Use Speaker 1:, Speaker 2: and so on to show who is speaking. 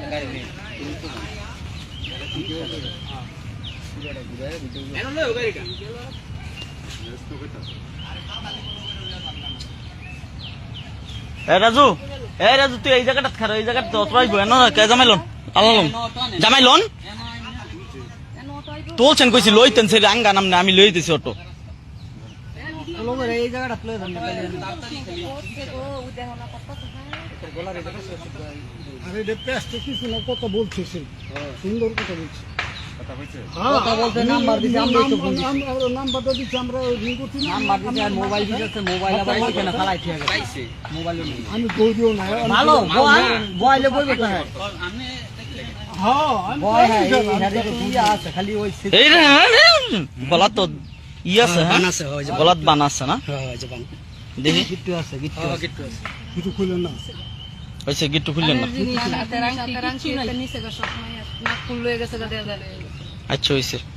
Speaker 1: রাজু রাজু তুই এই জায়গাটা খারো এই জায়গাটা জামাইলন আল্লাহ জামাইলন তোলছেন কইছি লইতেন সে আঙ্গা নাম না আমি লই দিছি অটো
Speaker 2: এই জায়গাটা প্লে আরে পেস্টে কিছু না কত বলছিস সুন্দর কথা বলছিস কথা বলতে নাম্বার দিছি আমরা তো নাম্বারটা দিছি আমরা রিং করছি নাম্বার দিছি আর মোবাইল দিছে মোবাইল আবার ওইখানে ফালাই ঠিক আছে পাইছে মোবাইল আমি কই দিও না ভালো মোবাইলে কইবে তো আমি হ্যাঁ আমি আছে খালি ওই
Speaker 1: এই রে বলা তো আছে হ্যাঁ বানাছে হয় বলাত বানাছে না
Speaker 2: হ্যাঁ যে বান
Speaker 1: দেখি
Speaker 2: গিট্টু আছে গিট্টু আছে কিছু খুলেন না
Speaker 1: হইছে গিট্টু খুললেন না
Speaker 3: নিচে গা সব না খুলে গেছে গা দেয়া
Speaker 1: আচ্ছা হইছে